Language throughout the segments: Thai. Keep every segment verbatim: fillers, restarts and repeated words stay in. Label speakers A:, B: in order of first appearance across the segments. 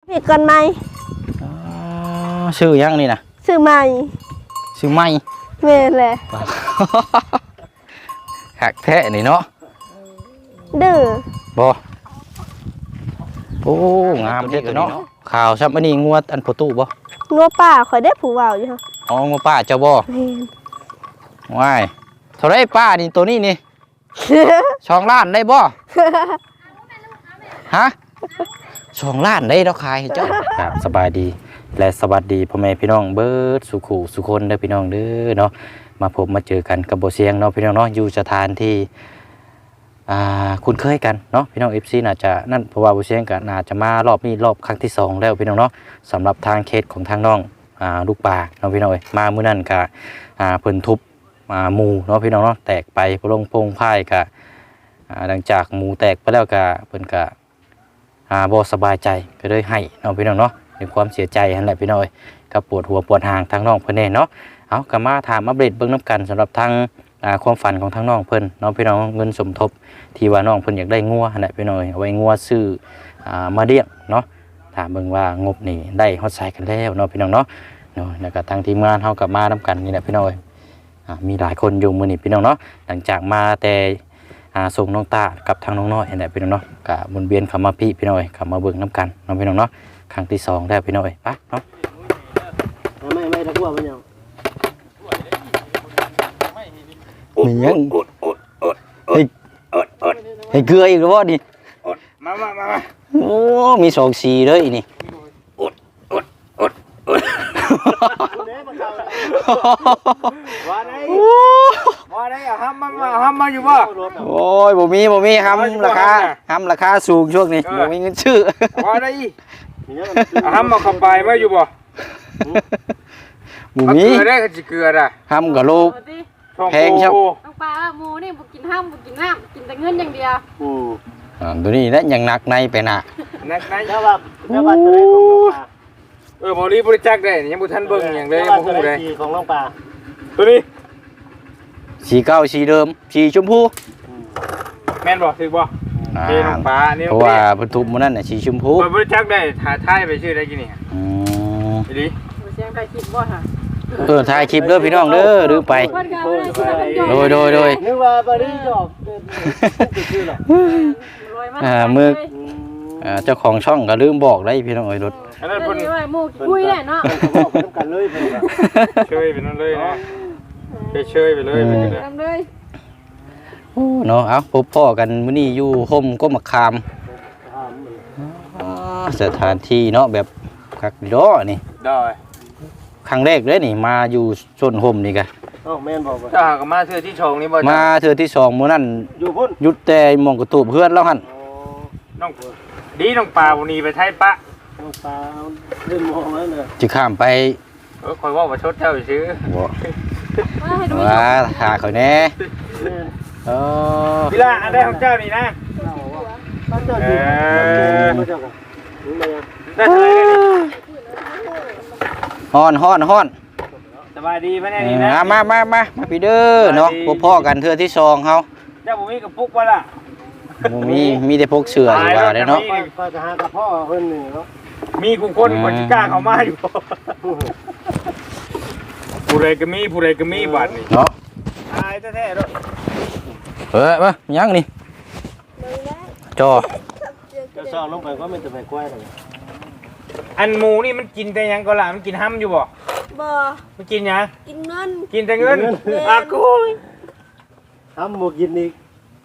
A: มีกันไหม
B: ชื่อยังนี่นะ
A: ชื่อใหม่
B: ชื่อไม่
A: แม่นแหละ
B: หักแท้นี่เนาะ
A: ดื้อ
B: บ่โอ้งามเด็กเนาะข่าวซับอันนี้งวดอันประตูบ่
A: งัวป่าข่อยได้ผู้เว้าอยู่ฮะ
B: อ๋องวป้าเจ้าบ่
A: แม่น
B: ว้ายเท่าไรป้านี่ตัวนี้นี่สองล้านได้บ่ฮะสองล้านได้เราขายเจ้าครับสบายดีและสวัสดีพ่อแม่พี่น้องเบิร์ดสุขุสุคนเด้อพี่น้องเด้อเนาะมาพบมาเจอกันกับโบเสียงเนาะพี่น้องเนาะอยู่สถานที่อ่าคุ้นเคยกันเนาะพี่น้องเอฟซีน่าจะนั่นเพราะว่าโบเสียงก็น่าจะมารอบนี้รอบครั้งที่สองแล้วพี่น้องเนาะสำหรับทางเคสของทางน้องอ่าลูกป่าเนาะพี่น้องเอ้ยมามื้อนั้นก็อ่าเพิ่นทุบอ่าหมูเนาะพี่น้องเนาะแตกไปพลงพงพ่ายก็อ่าหลังจากหมูแตกไปแล้วก็เพิ่นก็อ่าบ่สบายใจก็เลยให้เนาะพี่น้องเนาะมีความเสียใจนั่นแหละพี่น้องเอ้ยก็ปวดหัวปวดหางทางน้องเพิ่นแน่เนาะเอาก็มาถามอัปเดตเบิ่งน้ำกันสำหรับทางอ่าความฝันของทางน้องเพิ่นน้องพี่น้องเงินสมทบที่ว่าน้องเพิ่นอยากได้งัวนั่นแหละพี่น้องเอาไว้งัวซื้ออ่ามาเลี้ยงเนาะถามเบิ่งว่างบนี่ได้ฮอดไสกันแล้วเนาะพี่น้องเนาะเนาะแล้วก็ทางทีมงานเฮาก็มานํกันนี่แหละพี่น้องอ่ามีหลายคนอยู่มื้อนี้พี่น้องเนาะหลังจากมาแต่อ่าส่งน้องตากับทางน้องน้อยนั่นแหละพี่น้องเนาะก็หมุนเวียนเข้ามาพี่พี่น้อยเข้ามาเบิ่งนํกันเนาะพี่น้องเนาะครั้งที่สองแล้วพี่น้อยไปเนาะ
C: ไม่ไม่ตะกั่วมันยัง
B: มียังเฮ้ยเฮ้ยเกลืออีกแล้วบ่ดิ
C: มามามา
B: โอ้มีสองสีเลยนี่
C: อดอดอดอดว่าได้ว่าได้อะห้ามมาห้ามมาอยู่บ่
B: โอ้ยบ่มีบ่มีห้ามราคาห้ามราคาสูงช่วงนี้บ่มีเงินซื้อ
C: ว่าได้ห้ามมาขับไปมาอยู่บ่
B: บ่มี
C: เกลือได้ก็สิเกลือน่ะ
B: ห้ามกับโลแพงครับ
D: น้องปลาหมูนี่บ่กินห้ามบ่กินน้ำกินแต่เงินอย่างเดียว
C: อือ
B: อ่าตัวนี้นะยังหนักในไปน่ะ
C: นักในแล้วว่าแล้วว่าตัวได้ของน้องปลาเออบ่รีบริจาคได้ยังบ่ทันเบิ่งหยังเลยบ่ฮู้ได้ของน้องปลาตัวนี้
B: สีเก่าสีเดิมสีชมพู
C: แม่นบ่ถูกบ่เทน้องปลานี่
B: เพราะว่าเพิ่นทุบมื้อนั้นน่ะสีชมพู
C: บริจาคได้ถ่ายถ่ายไปชื่อได้กี่นี่
B: อืม
C: ดี
D: เสียงใครคิดบ่ฮะ
B: เออถ่ายคลิปเด้อพี่น้องเด้อลืมไปโดยโดยโดย
C: นึกว่าบ่ได้จบ
B: อ่ามืออ่าเจ้าของช่องก็ลืมบอกได้พี่น้องเอ้ยรถ
C: อันนั้นเพิ่น
D: หมู่คุยได้เนาะ
C: บอกกันกันเลยเพิ่นก็เชยไปนั่นเลยนะเชยไปเลยเพิ่นก็
D: เลย
B: โอ้เนาะเอ้าพบพ่อกันมื้อนี้อยู่ห่มก้มมะขามสถานที่เนาะแบบคักดอนี่
C: ได้
B: ครั้งแรกเลยนี่มาอยู่ชนห่มนี่กะ
C: อ้าวแม่นบอกว่าจ้าก็มาเทื่อที่สองนี่บ่
B: มาเทื่อที่สองมื้อนั้น
C: อยู่พุ่น
B: หยุดแต่หม่องกระตูบเพื่อนแล้วหั่น
C: น้องดีน้องปลาวันนี้ไปไทยปะน้องปลาเล่นมองแล้วน่ะ
B: สิข้ามไป
C: เออคอยว่าว่าชดเจ้าซื่อ
B: บ่ว่าหาเขาแน่เออ
C: พี่ล่ะอันใดของเจ้านี่นะเออได้เท่าไหร่
B: ฮ้อนฮ้อนฮ้อน
C: สบายดีมั้ยเนี่ยนี่นะ
B: มามามามาพี่เด้อเนาะพบพ่อกันเทื่อที่สองเฮา
C: เจ้าบ่มีกระปุกบ่ล่ะ
B: บ่มีมีแต่พกเสื้ออยู่ว่าได้เนาะ
C: ก็จะหากับพ่อเพิ่นนี่เนาะมีผู้คนบ่สิกล้าเข้ามาอยู่ผู้ใดก็มีผู้ใดก็มีบัดนี่
B: เนาะ
C: ตายแท้ๆเด้อ
B: เอ้ยมายังนี่จอ
C: จะซ่อลงไปก็มันจะไปกล้วยเลยอันหมูนี่มันกินแต่ยังก็ล่ะมันกินห้ำอยู่บ่
A: บ่
C: มันกินหยัง
A: กินเงิน
C: กินแต่เงินอากูห้ำบ่กินอีก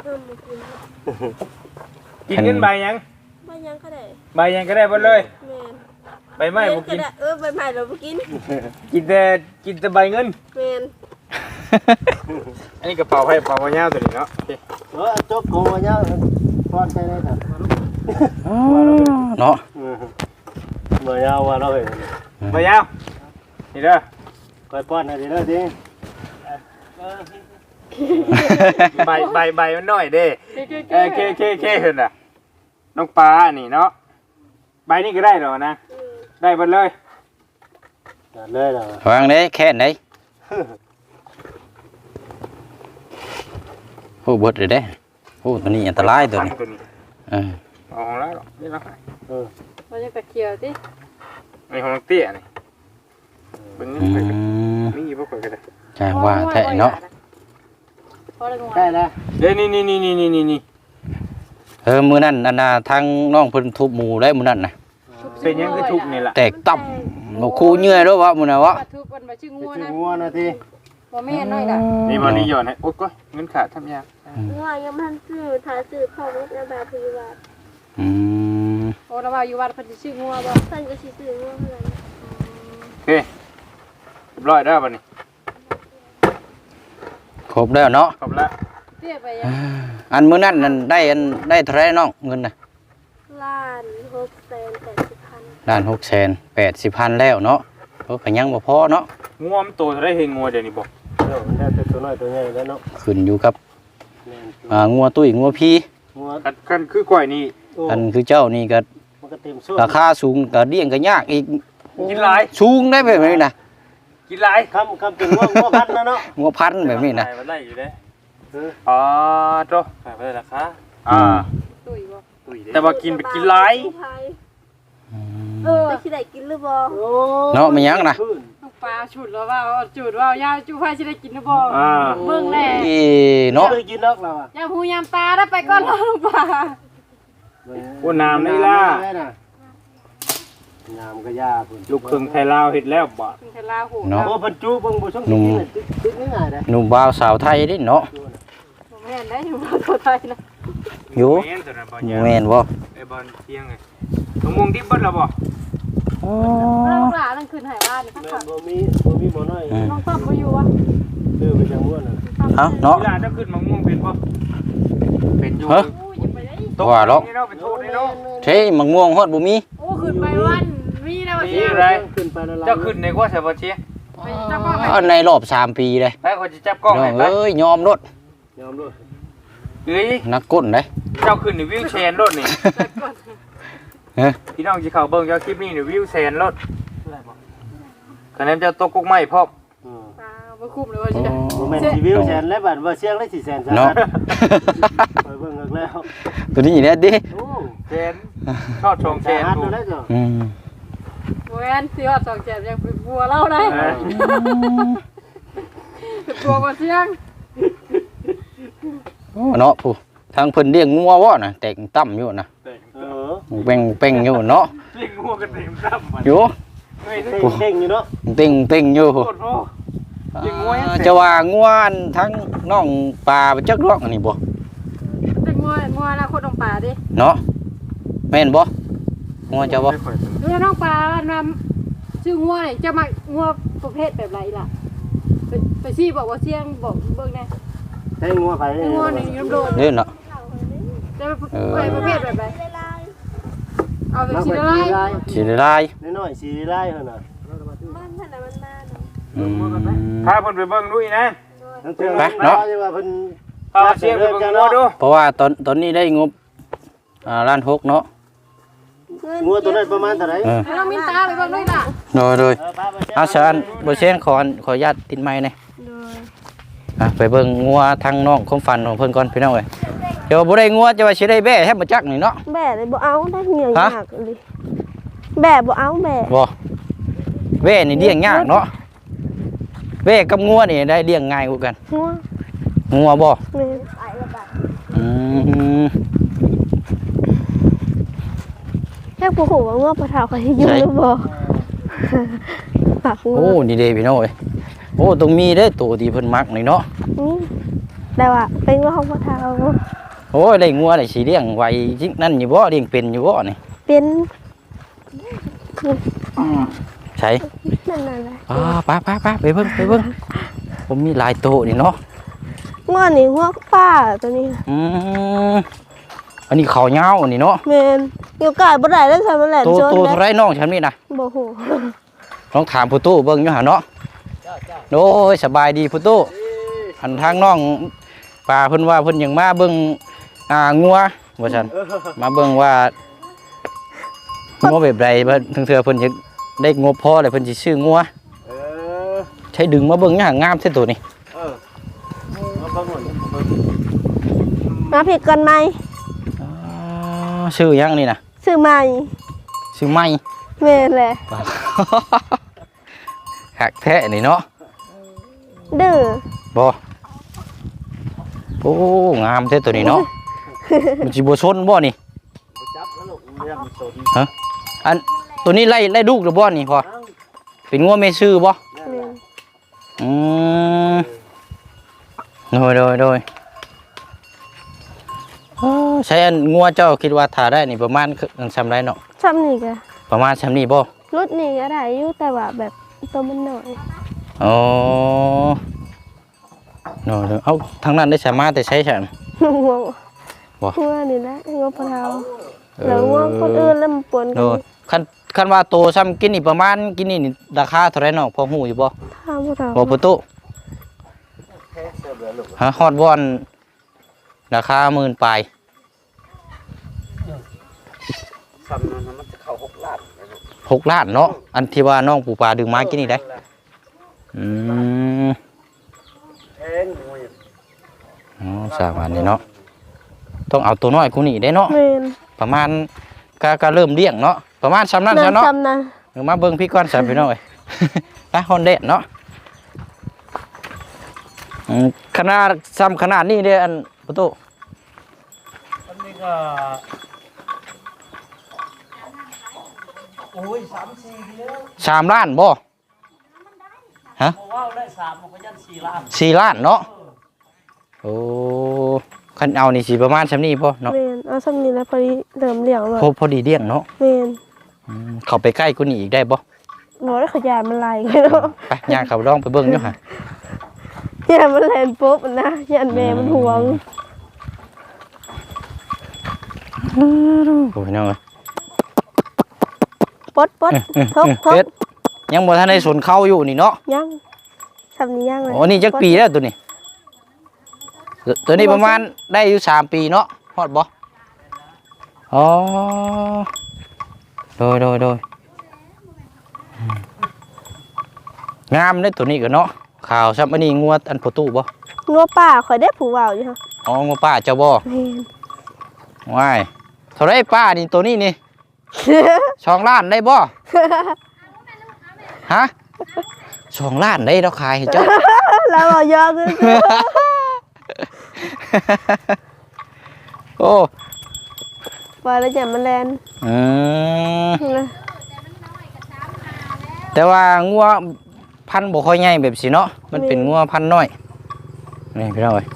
C: กินเงินใบยัง
A: ใบยังก็ได้
C: ใบยังก็ได้หมดเลยใบไม้บ่กิน
A: เออใบไม้เราบ่กิน
C: กินแต่กินแต่ใบเงิน
A: แม่น
C: อันนี้กระเป๋าให้กระเป๋ายาวตัวนี้เนาะเออจกโกยาวป้อนใส่ได้ครับ
B: เนาะ
C: ใบยาวว่าเราเห็นใบยาวนี่เด้อคอยป้อนให้ดีเด้อดิใบใบใบมันน้อยเด้เออเคเคเคเห็นน่ะน้องปลานี่เนาะใบนี้ก็ได้หรอนะได้หมดเลยเลยเหรอ
B: วางได้แค่ไหนโอ้บดเลยเด้โอ้ตัวนี้อันตรายตัวนี้เออ
C: อ๋อแล้วนี่ละเออ
D: เราจะตะเคียวติ
C: ในของน้องเตี้ยนี่เบิ่ง
B: อื
C: นี่ไปกัน
B: ม
C: มีอยู่บ่ค่อยก็ได้
B: ใช่ว่าแท้เนาะ
D: พอได้งว
E: ได้แล้ว
C: เด้นี่นี่นี่นี่นี่นี่
B: เออมื้อนั้นอันน่ะทางน้องเพิ่นทุบหมู่ได้มื้อนั้นน่ะ
C: เป็นหยังคือทุกข์นี่ล่ะ
B: แตกตับบ่คู่เหนื่อยเด้อวะมื้อน่ะวะ
D: ทุบมันมาชื่องัว
E: ชื่อ
D: นะ
E: งัวนะที
D: บ่แม่นน้อยล่ะ
C: นี่บ่นี่ย้อนให้โอ๊ยก้อยเงินขาดทำยาก
A: ว่ายังมันซื้อถ่ายซื้อพ่อรถในแบบพยาบาล
B: อืม
D: โอ้เราว่าอยู่วัดเพิ่นสิชื่องัวบ่
A: ท่านก็สิซื้อว่าเท่านั้น
C: โอเคเรียบร้อยแล้วบัดนี้
B: ครบแล้วเนาะ
C: ครบแล้ว
D: เตี้ยไปยัง
B: อันมื้อนั้นนั่นได้อันได้เท่าไหร่น้องเงินน่ะ
A: ล้านหกแสนแปดสิบพัน
B: ล้านหกแสนแปดสิบพันแล้วเนาะก็ก็ยังบ่พอเนาะ
C: งัวมันโตเท่าได้เฮงงัวเดี๋ยวนี้บ่
E: เดี๋ยวมันได้แต่ตัวน้อยตัวใหญ่แล้วเนาะ
B: ขึ้นอยู่กับ
E: แม่น
B: อ่างัวตุ้ยงัวพี่
E: งัว
C: คันคันคือก้อยนี่
E: โอ้
B: อันคือเจ้านี่ก็
E: มันก็เต็มส่วน
B: ราคาสูงก็เลี้ยงก็ยากอีก
C: กินหลาย
B: สูงได้แบบนี้นะ
C: กินหลาย
E: คำคำเป็นงัวงัวพันธุ์นะเนาะ
B: งัวพันธุ์แบบนี้นะ
C: ขายมาได้อยู่เด้
E: เออ
C: อ๋อโตขายมาได้ราคาอ่า
D: ตุ้ยบ่
C: ตุ้ยเด้แต่ว่ากินไปกินหลาย
A: เออสิได้กินหรือบ่
E: โอ้
B: เนาะมันยังนะ
E: ขึ้น
D: ลูกปลาฉุดแล้วว่าจุดว่ายาวจูไฟสิได้กินหรือบ่
C: อ่า
D: เบิ่งแน่
B: อีเนาะ
E: เคยกินนอกเราอ่ะ
D: ยามหูยามตาได้ไปก่อนแล้วลูกปลา
C: โอ้น้ำนี่ล่ะ
E: ได้น่ะน้ำก็ยาพุ่น
C: ลูกครึ่งไทยลาวเฮ็ดแล้วบ่
D: ถึงเทลาหู
B: เนาะ
E: โอ้บรรจุเบิ่งบ่ช่องกินน่ะตึ๊ดตึ๊ดง่ายๆเด้
B: หนุ่มบ่าวสาวไทยนี่เนาะ
D: บ่แม่นได้อยู่บ่ตัวไทยนะ
B: อยู่
C: แม่นตัวนั้นบ่เนี่ย
B: แม่นบ่
C: ไอ้บอลเที่ยงไงมะม่วงดิบเบิดแล้วบ่
B: อ๋อ
D: เราหลานนั่นคืนไหบ้านนี่
E: แม่
D: ค่ะ
E: นบ่มีบ่มีหมอน้อย
B: อืม
D: น้องต้อมบ่อยู่วะ
E: ซื้อไปจังม่วนน่ะ
B: เอ้าเนาะ
C: เวลาจะขึ้นมะม่วงเป็นบ่เป็นอยู่
B: ฮะ
D: อู้ยอย่าไปได้
C: ตก
B: ว่าหรอก
C: นี่เนาะเป็นโทษนี่เนาะ
B: เฮ้ยมังม่วงฮอดบ่มี
D: โอ้ขึ้นไปวันมีนะว่า
C: มี
D: เสีย
C: อะไร
E: ขึ้นไปละลาย
C: เจ้าขึ้นในกว่าใช่บ่เชีย
D: ไปจับก็ไป
B: อ๋อในรอบสามปีเลย
C: ไปคนจะจับกล้อง
B: น้อ
C: ให้
B: ง
C: ไป
B: เอ้ยยอมรถ
E: ยอมด้วย
C: เอ้ย
B: นักก้นเด้
C: เจ้าขึ้นในวิวแชร์รถนี่
B: เฮ้ย
C: พี่น้องสิเข้าเบิ่งเจ้าคลิปนี้ในวิวแชร์รถคะแนนเจ้าตกกุ๊กไม้พร้อม
E: อืม
D: ตาบ่คุ้มเลยว่าสิ
E: บ่แม่นสิวิวแสนแล้วบัดว่าเสียงได้สี่แสนซะ
B: เนาะ
E: ไปเบิ่งอีกแล้ว
B: ตัวนี้เนี่ยดิ
E: โอ้
C: แชร์ชอบชงแชร์
E: ฮัด
C: ดู
E: ดูได้จ้ะ
B: อืม
D: บ่แม่นสิฮอดสองแจมยังเป็นบัวเล่าได้
C: เออ
D: เป็นบัวกว่าเสียง
B: โอ้เนาะผู้ทางเพิ่นเลี้ยงงัวบ่น่ะแตกต่ำอยู่น่ะ
E: เออ
B: เป่งเป่งอยู่เนาะ
C: เลี้ยงงัวกันเต็มซ้ำมัน
B: อยู่
C: เฮ้ย
E: เด้งเด้งอยู่เนาะ
B: เป่งเป่งอยู่
C: โคตรโอ้ เลี้ยงงัวยังเสร็จ
B: จะว่างัวอันทั้งน้องปลาไปจักรอกอันนี้บ่
D: เป็นงัวงัวนะคนน้องปลาดิ
B: เนาะแม่นบ่งัวเจ้าบ่
D: ดูน้องปลานำชื่องัวนี่จะมางัวประเภทแบบไรล่ะไปไปซี่บอกว่าเสียงบอกเบิ่งแน่
E: ให้งัวไป
D: ชื่องัวนี่น้ำโดน
B: เด้อเนาะ
D: จะไปประเภทแบบไรเอาแบบ
E: นัก
D: สี
E: ไป
D: อะไร
E: สีลาย
B: สิได้ลาย
E: น้อยๆสีลายเท่านั้น
A: มันขนาดมันมาเนาะ
B: อืม
C: พาเพิ่นไปเบิ่งดูอีกนะ
E: ทั้งเทื่อ
B: ไปเนาะ
E: ว่าเพิ่น
C: พาเสียงไปเบิ่งงัวดู
B: เพราะว่าตอนตอนนี้ได้งบอ่าล้านหกเนาะ
E: งัวตัวนั้นประมาณเท่าไหร่
B: เออ
D: น้องมินตาไปเบิ่งด้วยล่ะ
B: โดยโดย
E: เออพาไปเช็ค
B: อาชานบ่เช่นขอขออนุญาตติดไม้หน่อยอ่ะไปเบิ่งงัวทางน้องความฝันของเพิ่นก่อนพี่น้องเอ้ยเดี๋ยวบ่ได้งัวจะว่าสิได้แบ่แทบบ่จักนี่เนาะ
A: แบะเลยบ่เอาได้เหนื่อย
B: ฮะ
A: ยากเลยแบะบ่เอาแบะ
B: บ่แบ่นี่เลี้ยงยากเนาะแบ่กับงัวนี่ได้เลี้ยงง่ายกว่ากัน
A: หัว
B: งัวบ่
A: เลย
B: อืม
A: แค่ผู้หูว่างัวปลาเท้าเขาสิอยู่
B: ใช่
A: หรือบ่ปากงัว
B: โอ้นี่เด้พี่น้องเอ้ยโอ้ต้องมีเด้ตัวที่เพิ่นมักนี่เนาะ
A: นี่แต่ว่าเป็นงัวของปลาเท้า
B: โอ้ยได้งัวได้สิเลี้ยงไว้จริงนั่นอยู่บ่เลี้ยงเป็นอยู่บ่นี่
A: เป็น
B: ใช่
A: นั่นนั่นแหละ
B: อ่าไปไปไปไปเบิ่งไปเบิ่งผมมีหลายโตนี่เนาะ
A: งัวนี่งัวป้าตัวนี้
B: อืมอันนี้เขาวยาวอันนี้เนาะ
A: แม่นอยู่ไกลบ่ได้แล้วใช่มันแหลม
B: โต
A: จน
B: โตเท่าไรน้องฉันนี่นะ
A: บ่ฮู้
B: ลองถามผู้ตู้เบิ่งอยู่หาเนาะโอ้ยสบายดีผู้ตู้หันทางน้องป่าเพิ่นว่าเพิ่นยังมาเบิ่งอ่างัวว่าซั่นมาเบิ่งว่างัวแบบใดบ่ถึงเทื่อเพิ่นจะได้งบพอแล้วเพิ่นสิซื้องัว
E: เออ
B: ใช้ดึงมาเบิ่งอย่างงามเท่ตัวนี้
E: เออเอาเบิ่งหมดเบิ่ง
A: มาผิดกันไหม
B: อ๋อชื่อหยังนี่นะ
A: ซื้อใหม่
B: ซื้อใหม่
A: แม่นแหละ
B: หักแท้นี่เนาะ
A: ดื้อ
B: บ่โอ้งามแท้ตัวนี้เนาะมันสิบ่ชนบ่นี่
E: จับแล้วลูกเรื่องสน
B: ฮะอันตัวนี้ไล่ไล่ลูกหรือบ่นี่พ่อเป็นงัวแม่ชื่อบ่
A: แม่น
B: อืมโดยโดยโดยเอ้อใช้อันงัวเจ้าคิดว่าถ้าได้นี่ประมาณคือซำไรเนาะ
A: ซ้ำนี่ก็
B: ประมาณซำนี้บ่
A: รถนี่ก็ได้อยู่แต่ว่าแบบตัวมันน้อย
B: อ๋อโดยโดยเอ้าทางนั้นได้สามารถแต่ใช้ฉัน
A: ง่วง
B: บ่
A: ง่วงนี่แหละง่วงปลาเทาแล้วง่วงคนอื่นแล้วมันปน
B: โด
A: กัน
B: ยคันคันว่าโตซ้ำกินนี่ประมาณกินนี่นี่ราคาเท่าไหร่เนาะพอฮู้อยู่บ่
A: ทางพวกเรา
B: บ่ปุตุฮะฮอดบ่อนราคาหมื่นปลาย
E: ซ้ำนั้นมันจะเข้าหกล้าน
B: หกล้านเนาะอันที่ว่าน้องปู่ปลาดึงมากินนี่ได้อืม
E: แพงมวย
B: อ๋อสามอันนี้เนาะต้องเอาตัวน้อยกูนี่ได้เนาะ
A: แม่น
B: ประมาณก็ก็เริ่มเลี้ยงเนาะประมาณซ้ำนั้นซะเนาะ
A: ซ้ำนะ
B: เดี๋ยวมาเบิ่งพี่ก่อนซะพี่น้องเอ้ย ไปฮอนเดดเนาะอืมขนาดซ้ำขนาดนี้เด้ออันปุตุ
E: อันนี้ก็โอ้ยสามสี่เดียว
B: สามล้านบ่ฮะ
E: เพราะว่าได้สามมันก็ยันสี่ล้าน
B: สี่ล้านเนาะโอ้คันเอานี่สิประมาณซ้ำนี้บ่เนาะ
A: แม่นเอาซ้ำนี่แล้วพอดีเริ่มเลี้ยงแล้ว
B: พอพอดีเลี้ยงเนาะ
A: แม่น
B: อืมเข้าไปใกล้กูนี่อีกได้บ่
A: บ่ได้ขยายมันไหลกันเนาะ
B: ไปย่างเขาลองไปเบิ่งอยู่ห่ะ
A: อย่ามันแล่นปุ๊บนะยันแม่มันห่วง
B: โอ้ยน้องเอ้ย
A: ปดปดทบท
B: เฮ็
A: บ
B: ดยังบ่ทันได้สนเข้าอยู่นี่เนาะ
A: ยังซ้ำนี่ยังเลย
B: โอ้นี่จักปีแล้วตัวนี้ตัวตัวนี้ประมาณได้อยู่สามปีเนาะฮอดบ่อ๋อโดยโดยโดยอืมงามเด้ตัวนี้ก็เนาะขาวซับอันนี้งัวอันโพตู้บ่
A: งัวป่าข่อยได้ผู้เว้าอยู่ค่ะ
B: อ๋องัวป้าเจ้าบ่
A: แม่น
B: ว้ายเท่าไรป้านี่ตัวนี้นี่ สองล้านได้บ่ฮะสองล้านได้เราขายให้เจ้า
A: แล้วบ่ยอคือ
B: โอ้
A: ว่าแล้วอย่ามันแล่น
B: อืม
A: นะ
B: แต่ว่างัวพันธุ์บ่ค่อยใหญ่แบบสิเนาะมันเป็นงัวพันธุ์น้อยนี่พี่น้องเอ้ย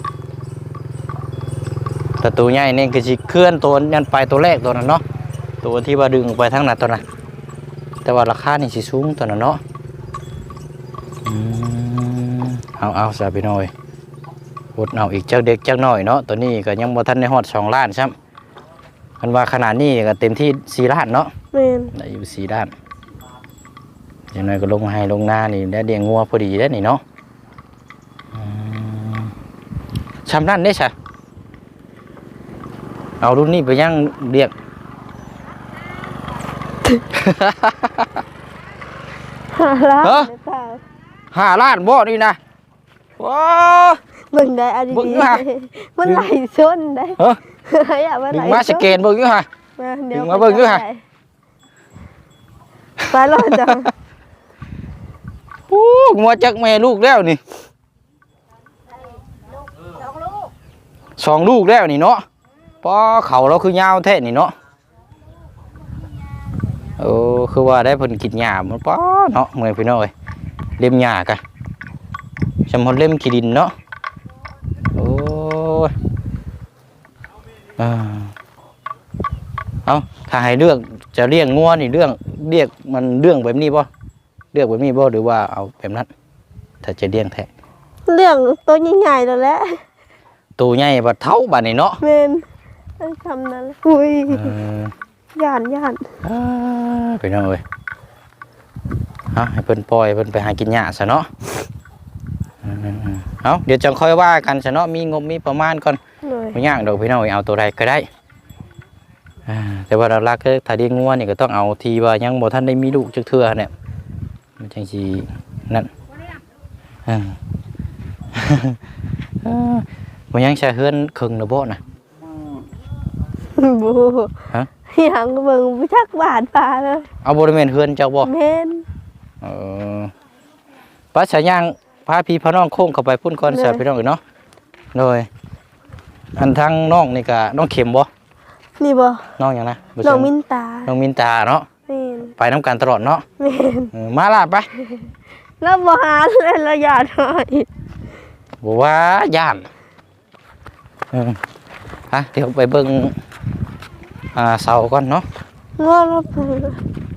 B: แต่ตัวใหญ่นี่คือสิเคลื่อนตัวยันไปตัวแรกตัวนั้นเนาะตัวที่ว่าดึงออกไปทั้งนั้นตัวนั้นแต่ว่าราคานี่สิสูงตัวนั้นเนาะอืมเอาเอาซะพี่น้องเอ้ยอดเอาอีกเจ้าเด็กเจ้าน้อยเนาะตัวนี้ก็ยังบ่ทันได้ฮอดสองล้านซ้ำคันว่าขนาดนี้ก็เต็มที่สี่ล้านเนาะ
A: แม่น
B: ได้อยู่สี่ล้านอย่างน้อยก็ลงให้ลงหน้านี่ได้เลี้ยงงัวพอดีได้อนี่เนาะอืมชำนั่นได้ใช่เอารุ่นนี้ไปย่างเรียก
A: หาล้าน
B: เอ้อ
A: ในป่า
B: ห้าล้านบ่นี่นะว้า
A: เบิ่งได้อัน
B: เบิ่ง
A: ดี
B: อยู่ฮะ
A: ๆมันไหลชนได้
B: เฮ้อ
A: อย่ามัน
B: ดึ
A: ไหล
B: งมาสแกนเบิ่งอยู่ฮะ
A: มาเดี๋ยว
B: ดึงมาเบิ่งอยู่ฮะ
A: ไปรอดจัง
B: โอ้งัวจักแม่ลูกแล้วนี่สองลูกแล้วนี่เนาะพอเขาเราคือยาวแท้นี่เนาะเออคือว่าได้เพิ่นกินหญ้ามันป้อเนาะเมื่อยพี่น้องเอ้ยเล่มหญ้ากะสำหรับเล่มขี้ดินเนาะโอ้ยอ่าเอาถ้าให้เลือกจะเลี้ยงงัวนี่เรื่องเรียกมันเรื่องแบบนี้บ่เลือกแบบนี้บ่หรือว่าเอาแบบนั้นถ้าจะเลี้ยงแท้
A: เรื่องตัวใหญ่ๆแล้วแหละ
B: ตัวใหญ่บัดเท่าบัดนี่เนาะ
A: แม่นไอ้คำนั้นอุ้ย
B: เออ
A: ย่านย่าน
B: อ่าไปน้องเอ้ยเอาให้เพิ่นปล่อยเพิ่นไปหากินหญ้าซะเนาะอืมๆเอาเดี๋ยวจังค่อยว่ากันซะเนาะมีงบมีประมาณก่อน
A: เลย
B: บ่ยากดอกพี่น้องเอ้ยเอาตัวใดก็ได้อ่าแต่ว่าหลักๆคือถ้าเลี้ยงงัวนี่ก็ต้องเอาที่ว่ายังบ่ทันได้มีลูกจักเทื่อเนี่ยมันจังสินั่นอ่า อ่าบ่ยังใช้เฮือนครึ่งนะบ่น่ะ
A: บู
B: ฮะ
A: อย่างเบิ่งบ่จักบาทปลาเลย
B: เอาบริเวณเฮือนเจ้าบ่
A: แม่น
B: เออป้าฉายางพาพี่พาน้องโค้งเข้าไปพุ่นก่อนเสียพี่น้องเอ้ยเนาะโดยอันทางน้องนี่ก็น้องเข็มบ่
A: นี่บ่
B: น้องหยังนะบ่
A: น้
B: ใช่
A: องมินตา
B: น้องมินตาเนาะ
A: แม่น
B: ไปน้ำกันตลอดเนาะ
A: แม่น
B: เออมาล่ะไป
A: แล้วบ่หาเลยละยาดให้
B: บ่ว่าย่านเออฮะเดี๋ยวไปเบิ่งอ่าเสาก่อนเนาะ
A: ง้อแล้วเพิ่น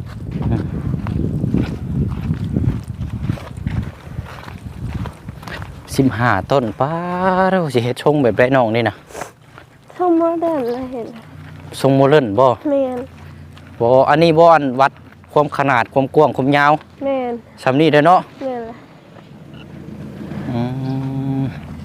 B: สิบห้าต้นป้าเราสิเฮ็ดชงแบบไรน้องนี่นะ
A: เข้ามาได้แล้วเห็น
B: ทรงโมเดิร์นบ่
A: แม่น
B: บ่อันนี้บ่อันวัดความขนาดความกว้างความยาว
A: แม่น
B: สำนี้เด้อเนาะ
A: แม่นล่ะ
B: อืม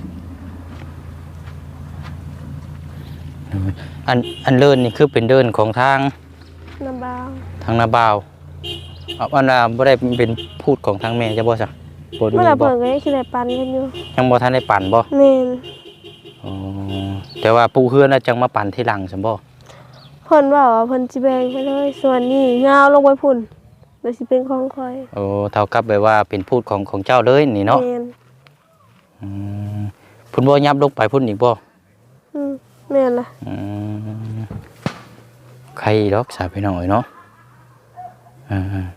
B: อันอันเลินนี่คือเป็นเดินของทาง
A: น้ำบาว
B: ทางนาบาวเอาอันน่ะบ่ได้เป็นพูดของทางแม่จะบ่ซะบ่ดู
A: เมื่อไหร่
B: บ่
A: เพิ่นก็ยังสิได้ปันกันอยู่
B: ยังบ่ทันได้ปั่นบ่
A: แม่น
B: อ๋อแต่ว่าปู่เฮือนน่ะจังมาปั่นทีหลังซั่นบ่
A: เพิ่นว่าว่าเพิ่นสิแบ่งให้เลยส่วนนี้ยาวลงไปพุ่นแล้วสิเป็นของข่อย
B: โอ้เท่ากับแบบว่าเป็นพูดของของเจ้าเลยนี่เนาะ
A: แม่น
B: อืมพุ่นบ่ยับลงไปพุ่นอีกบ่
A: อืมแม่นล่ะ
B: อืมใครดอกสาพี่น้องเอ้ยเนาะอ่า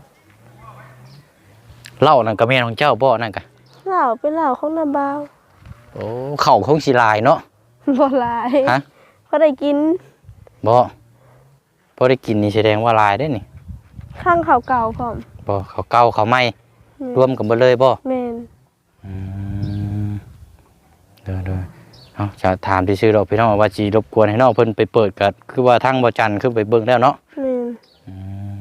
B: เหล้านั่นก็แม่นของเจ้าบ่นั่นก็
A: เหล้าเป็นเหล้าของน้ำบาว
B: โอ้เข้าของสิลายเนาะ
A: บ่หลาย
B: ฮะ
A: พอได้กิน
B: บ่พอได้กินนี่แสดงว่าลายได้นี่
A: ข้างเขาเก่าพร้อม
B: บ่เขาเก่าเขาใหม่
A: อืม
B: รวมกันเบ่เลยบ่
A: แม่น
B: อืมเด้อๆเอ้าจะถามซื่อๆดอกพี่น้องว่าสิรบกวนให้น้องเพิ่นไปเปิดก็คือว่าทางบ่จันทร์ขึ้นไปเบิ่งแล้วเนาะ
A: แม่น
B: อืม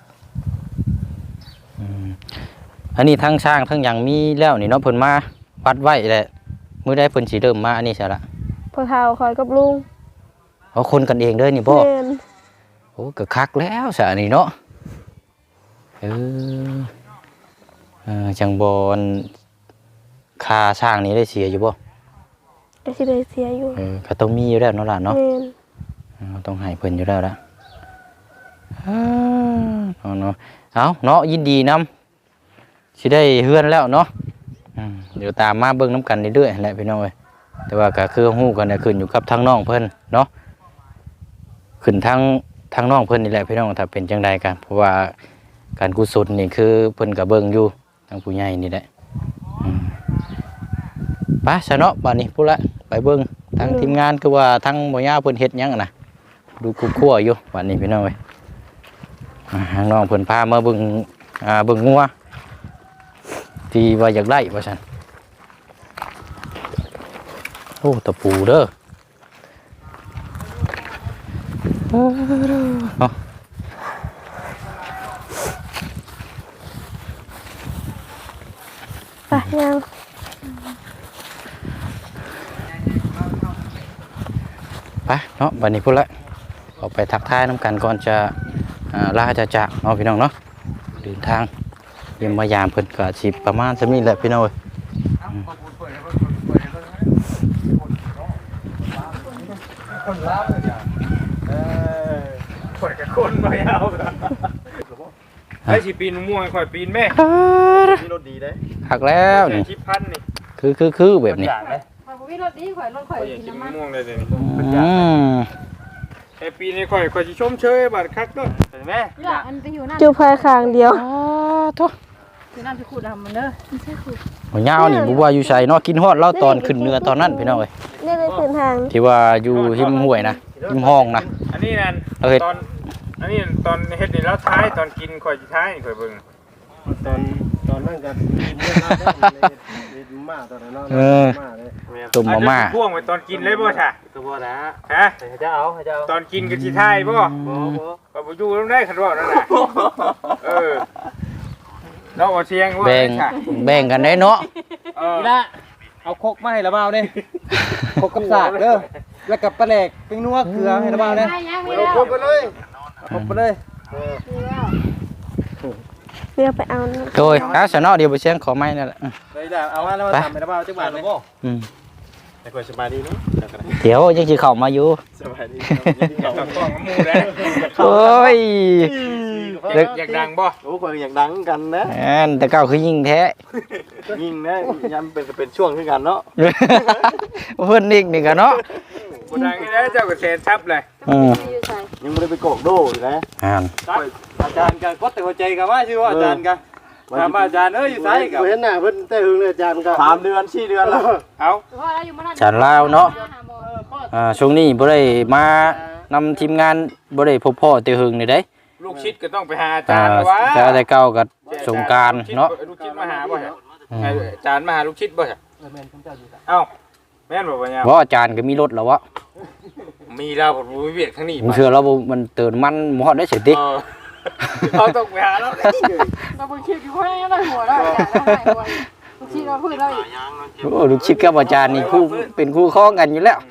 B: อืมอันนี้ทั้งช่างทั้งหยังมีแล้วนี่เนาะเพิ่นมาวัดไว้แหละมื้อใดเพิ่นสิเริ่มมาอันนี้ซะละ
A: พอเฒ่าคอยกับลุง
B: เอาคนกันเองเด้อนี่บ่
A: แม่น
B: โอ้ก็คักแล้วซะอันนี้เนาะเออเออจังบ่อันค่าช่างนี้ได้เสียอยู่บ่
A: ก็สิได้เสียอยู่
B: เออก็ต้องมีอยู่แล้วเนาะล่ะเนาะ
A: แม่น
B: เออต้องให้เพิ่นอยู่แล้วล่ะอ่าเอาเนาะเอาเนาะยินดีนำสิได้เฮือนแล้วเนาะอืมเดี๋ยวตามมาเบิ่งน้ำกันเรื่อยๆแหละพี่น้องเอ้ยแต่ว่าก็คือฮู้กันน่ะขึ้นอยู่กับทางน้องเพิ่นเนาะขึ้นทางทางน้องเพิ่นนี่แหละพี่น้องถ้าเป็นจังใดกันเพราะว่าการกุศลนี่คือเพิ่นก็เบิ่งอยู่ทางผู้ใหญ่นี่แหละอืมไปซะเนาะบัดนี้พุ่นละไปเบิ่งทางทีมงานคือว่าทางบ่ย่าเพิ่นเฮ็ดหยังอะนะดูกุ๊กคั่วอยู่บัดนี้พี่น้องเอ้ยอ่าทางน้องเพิ่นพามาเบิ่งอ่าเบิ่งงัวที่ว่าอยากได้ว่าซั่นโอ้ตะปูเด้อเนาะ
A: ไปยัง
B: ไปเนาะบัดนี้พุ่นละออกไปทักทายน้ำกันก่อนจะอ่าลาจะจากเนาะพี่น้องเนาะเดินทางเยี่ยมมายามเพิ่นก็สิประมาณจะมีแหละพี่น้องเอ้ย
C: ข่อยกับคนไม่เอาไอ้สิปีนม่วงข่อยปีนแม่มีรถดีได้
B: หักแล้วนี่
C: ชิปพันนี่
B: คือคือคือแบบนี้
C: อย่างเลย
D: ข่อยบ่มีรถดีข่อยรถข่อย
C: ข่อยอยาก
D: กิน
C: กิน
D: น้ำมัน
C: ม่วงเลยเดี๋ยวนี้
B: อืม
C: ไอ้ปีนี้ข่อยข่อยสิชมเชยบัดคักเด้อเห็นไหม
D: นี่ล่ะอันไปอยู่นั่น
A: จูพายข้างเดียว
B: อ๋อทุก
D: อยู่นั่นสิขุดทำมันเด้อไม่ใช่ขุด
B: หัวยาวนี่บ่ว่าอยู่ไสเนาะกินฮอดเล่าตอนขึ้นเรือตอนนั้นพี่น้องเอ้ย
A: นี่เลยขึ้นทาง
B: ที่ว่าอยู่หิมห้วยนะหิมห้องนะ
C: อันนี้นั่น
B: เอาเฮ็ด
C: ตอนอันนี้ตอนเฮ็ดนี่แล้วท้ายตอนกินข่อยสิท้ายนี่ข่อยเบิ่ง
E: ตอนตอนนั้นก็เมื่อนั้นได้เลยมาตอนนั้นเนาะมาเลย
B: ตุ่มมาม่า
C: อันนี้พ่วงไว้ตอนกินเลยบ่ใช่
E: ตัวบ่นะ
C: ฮะ
E: ให้เจ้าเอาให้เจ้า
C: ตอนกินก็สิท้ายบ่
E: บ่บ่
C: ก็บ่อยู่ตรงได้คันว่านั่นน่ะเออเราเอาเชียงว่า
B: แบ่ง
C: ใช่
B: แบ่งกันได้เนาะ
C: เออ
E: นี่ละเอาคกมาให้ละเบาเด้คกกับสากเด้อแล้วกับปลาแหลกปิ้งนัวเกลือให้ละเบาเด้
D: ไม่ยังไม่
C: เอา
D: แล้ว
C: ครบไปเลย
E: เอาคกไปเลย
A: เรียกไปเอานะ
B: โดยถ้าสนอเดี๋ยวไปเชียงขอไม้นั่นแหละอืม
E: เลยล่ะเอามาแล้วมาทำให้ละเบาจังหวัดเลยบ่
B: อืม
C: แต่ก็สบายดีเนาะ
B: เดี๋ยวยังสิเข้ามาอยู่
C: สบายดีเอากล้องมูได้
B: โอ้ย
C: อยากดังบ่โอ้คนอยากดังกันนะ
B: แม่นแต่เก่าคือยิงแท้
C: ยิ่งนะย้ำเป็นเป็นช่วงขึ้นกันเนาะ
B: เพิ่นอีกนี่ก็เนาะ
C: บ่ดังนี่นะเจ้าก็เซนทับเลย
B: อืม
C: ยังไม่ได้ไปโกกโดอยู่นะ
B: อ่าน
E: อาจารย์ก็กดแต่หัวใจกันว่าชื่อว่าอาจารย์กันถามอาจารย์เอ้ยอยู่ไสกับ
F: เห็นหน้าเพิ่นแต่หึงเลยอาจารย์ก็
C: สามเดือนสี่เดือนแล้วเอา
B: ฉันลาวเนาะอ่าช่วงนี้บ่ได้มานำทีมงานบ่ได้พบพ่อแต่หึงนี่เด้
C: ลูกชิดก็ต้องไปหาอาจา
B: อ่าร
C: ย์วะ
B: แต่แต่เก่าก็สงกรานต์เนาะ
C: ลูกชิดมาหาบ่ฮะอาจารย์มาหาลูกชิดบ่ฮะเอ้าแม่นบ่บ่เนี่ย
B: เพราะอาจารย์ก็มีรถแล้ววะ
C: มีเราบ่รู้เวียดข้างนี้
B: ผมเชื่อแล้วบ่มันเติมมันบ่ฮอดได้เสิติ
C: เออเขาต้องไปหาเรา
D: เราเพิ่งคิดอยู่ว่าได้หัวแล้วได้หัวลูกชิ้นเราพูดแล้ว
B: โอ้ลูกชิดกับอาจารย์นี่คู่เป็นคู่ครองกันอยู่แล้ว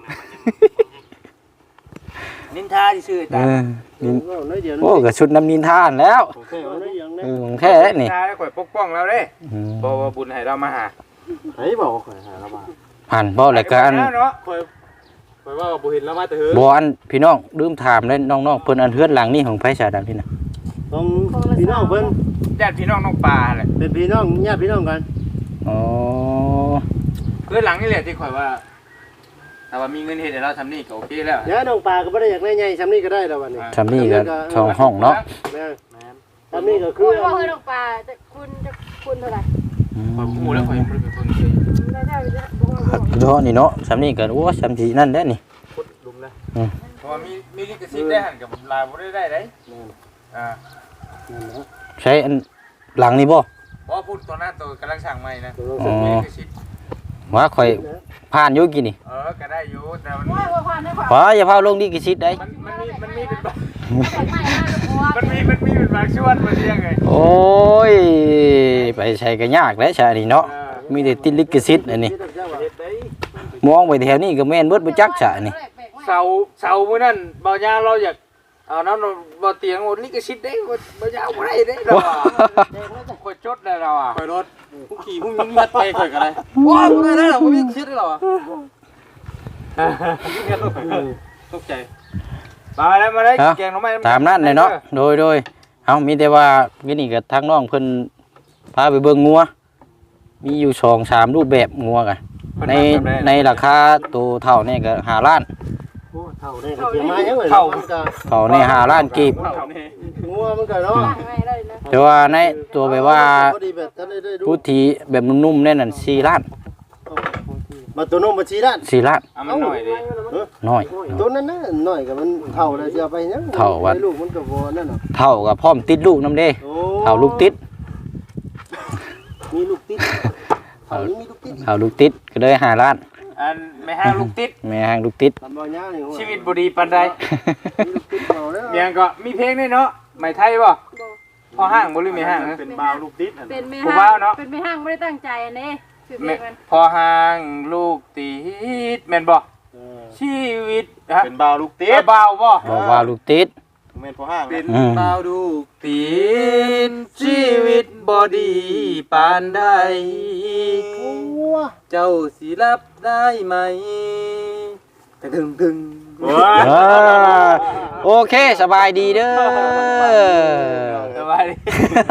C: นินทาซื่อ
B: เออนี่
F: น้อยเดียว
B: โอ้ก็ชุดน้ำนินทานแล้ว
F: โอเคเอาได้ยัง
B: เออของแท้แล้ว
C: นิ
B: นี่
C: นทาแล้วข่อยปกป้องเราเด้
B: อืม
C: บ่ว่าบุญให้เรามาหา
F: ไผบอกว่าข่อยหาแล้วมา
B: ผ่านบ่แล้วก็อัน
C: เนาะ
E: คอยคอยว่าบ่เห็นแล้วมาแต่เฮือ
B: บ่อันพี่น้องลืมถามเลยน้องๆเพิ่นอันเฮือนหลังนี่ของไผสาดำพี่น่ะ
F: ต้องพี่น้องเพิ่น
C: ญาติพี่น้องน้องปลาแหละ
F: เป็นพี่น้องญาติพี่น้องกัน
B: อ๋อ
C: คือหลังนี่แหละที่ข่อยว่าถ้าว่ามีเงินเฮ็ดให้เราทำนี่ก็โอเคแล้ว
F: ญาติน้องปลาก็บ่ได้อยากได้ใหญ่ซ้ำนี้ก็ได้แล้ววันนี้
B: ทำนี่ก็ช่องห้องเนาะ
F: แม่ซ้ำนี้ก็คื
D: คุ
F: อ
D: ณว่าเฮ้ยดอกปลาจะคุณจะคุณเท่าไหร่
B: อืม
C: ข่อยฮู้แล้วข่อยยังบ่ได้เป็นคนเคย
D: ได้ได้ได้บอกว่า
B: ครับเนาะนี่เนาะสำนี่ก็โอ้สำที่นั่นแหละนี่
C: ขุดหลุมนะเพราะว่ามีมีลิขสิทธิ์ได้หั่นกับลายบ่ได้ได้เด้อ่า
B: ใช้อันหลังนี่บ่
C: เพราะว่าพูดตัวหน้าตัวกำลังสั่งใหม่นะ
B: อ๋อ
C: มีลิขสิทธิ์
B: ว่าข่อยผ่านอยู่กี่นี่
C: เออก็ได้อยู่แต่มัน
D: ว่าว่าความได้ความ
B: ว่าอย่าพาลงดีกี่ชิดได้
C: มันมันมีมันมีเป็นบาง
D: ใหม่มากเลยเพราะว่า
C: มันมีมันมีเป็นบางช่วงมันเรียกไง
B: โอ้ยไปใช้ก็ยากแล้วใช่นี่เนาะมีแต่ติดลิขสิทธิ์อันนี้
C: เฮ็ดได้
B: มองไปแถวนี้ก็แม่นเบิดบ่จักฉะนี่
C: เสาเสามื้อนั้นบ่ยาเราอยากเอาน้ำบ่เตียงบ่ลิขสิทธิ์ได้บ่ยาบ่ได้เด้เราอ่ะข่อยจดได้เราอ่ะ
E: คอยรถผู้ขี่ผู้ยิงยัดไปคอยกันเลยว้าวบ่ได้แล้วบ่มีคิดได้หรอตกใจ
C: มาแล้วมาได้
B: เอ้า
C: แกงหน่อไม้
B: ตามนั้นเลยเนาะโดยโดยเอามีแต่ว่าวินี่ก็ทางน้องเพิ่นพาไปเบิ่งงัวมีอยู่สองสามรูปแบบงัวกันในในราคาตัวเท่านี่ก็ห้าล้าน
F: โอ้เท่าได้ก็เกี่ยวมายังเลยมันก็
B: เท่านี่ห้าล้านกีบ
F: งัวมันก็เนาะ
D: ไม่ได้นะ
B: แต่ว่าในตัวแบบว่า
F: พอดีแบบท่านได้ได้ดู
B: พุทธีแบบนุ่มๆแน่นั่นสี่ล้าน
F: มาตัวน้องมาชี้ด้าน
B: สี่ล้าน
C: เอามันหน่อยดิ
B: น้อย
F: ตัวนั้นน่ะน้อยก็มันเท่าแล้วสิเอาไปยัง
B: เท่าวัด
F: ลูกมันก็บ่นั่นน่ะ
B: เท่ากับพร้อมติดลูกน้ำเด้
F: โอ้
B: เท่าลูกติด
F: มีลูกติดเท่านี้มีลูกติด
B: เท่าลูกติดก็เลยห้าล้าน
C: อันไม่ห้างลูกติด
B: แม่ห้างลูกติด
F: ทำบ่ยาวนี่
C: ชีวิตบ่ดีปานใด
F: มีลูกติดเท่าแล้ว
C: เมียงก็มีเพลงด้วยเนาะไหมไทยบ่พอห้างบ่หรือไม่ห้างนะ
F: เป็นบ่าวลูกติด
D: เป็นไม่
C: ผม
D: ห้า
C: ว่าเนาะ
D: งเป็นไม่ห้างไม่ได้ตั้งใจอันนี้คือเพล
C: แม่
D: งมัน
C: พอห้างลูกติดแม่นบ่ชีวิตฮะ
F: เป็นบ่าวลูกติ
C: เอ๊ะ
F: ด
C: บ่าวบ่
B: บอกว่าลูกติด
F: แม่นพอห้าง
C: เป็น
B: อืม
C: บ่าวลูกติดชีวิตบ่ดีปานใดเจ้าสิรับได้ไหมตึงตึง
B: เออโอเคสบายดีเด้อ
C: สบายดี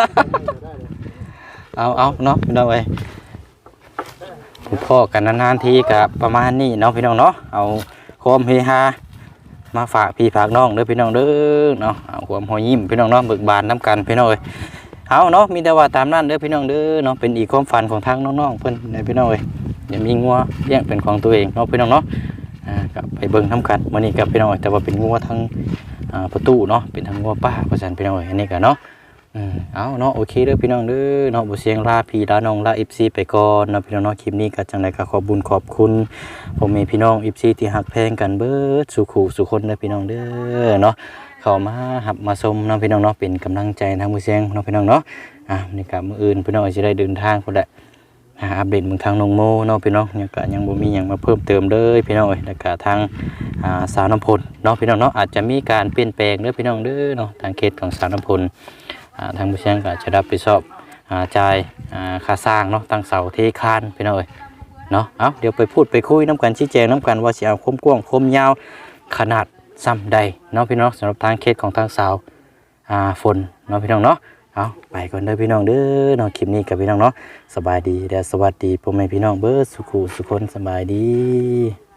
B: เอาเอาเนาะพี่น้องเอ้ยพบพ่อกันนานๆทีกับประมาณนี้เนาะพี่น้องเนาะเอาความเฮฮามาฝากพี่ฝากน้องเด้อพี่น้องเด้อเนาะเอาความหอยยิ้มพี่น้องเนาะเบิกบานน้ำกันพี่น้องเอ้ยเอาเนาะมีแต่ว่าตามนั้นเด้อพี่น้องเด้อเนาะเป็นอีกความฝันของทางน้องๆเพิ่นเด้อพี่น้องเอ้ยอย่ามีงัวเลี้ยงเป็นของตัวเองเนาะพี่น้องเนาะอ่าก็ไปเบิ่งทำกันมื้อนี้กับพี่น้องเอ้ยแต่ว่าเป็นงัวทั้งอ่าประตูเนาะเป็นทั้งงัวป้าเพราะฉะนั้นพี่น้องเอ้ยอันนี้ก็เนาะ อืมเอาเนาะโอเคเด้อพี่น้องเด้อเนาะบ่เสียงลาพี่ลาน้องลา เอฟ ซี ไปก่อนเนาะพี่น้องเนาะคลิปนี้ก็จังได๋ก็ขอบุญขอบคุณพ่อแม่พี่น้อง เอฟ ซี ที่ฮักแพงกันเบิดสุขุสุคนเด้อพี่น้องเด้อเนาะเข้ามาหับมาชมเนาะพี่น้องเนาะเป็นกำลังใจทางมือเสียงเนาะพี่น้องเนาะอ่ะนี่ก็มื้ออื่นพี่น้องสิได้เดินทางพุ่นแหละหาอัปเดตเมืองทางน้องโมเนาะพี่น้องยังก็ยังบ่มีหยังมาเพิ่มเติมเลยพี่น้องเอ้ยแล้วก็ทางอ่าสาวน้ำพลเนาะพี่น้องเนาะอาจจะมีการเปลี่ยนแปลงเด้อพี่น้องเด้อเนาะทางเขตของสาวน้ำพล อ่าทางผู้เชี่ยวชาญก็จะรับผิดชอบอ่าจ่ายอ่าค่าสร้างเนาะตั้งเสาเทคานพี่น้องเอ้ยเนาะเอาเดี๋ยวไปพูดไปคุยน้ำกันชี้แจงน้ำกันว่าสิเอาคมกว้างคมยาวขนาดซ้ำใดเนาะพี่น้องสำหรับทางเคสของทางสาวอ่าฝนเนาะพี่น้องเนาะเอาไปก่อนเด้อพี่น้องเด้อเนาะคลิปนี้กับพี่น้องเนาะสบายดีและสวัสดีพ่อแม่พี่น้องเบิร์ดสุขุสุคนสบายดี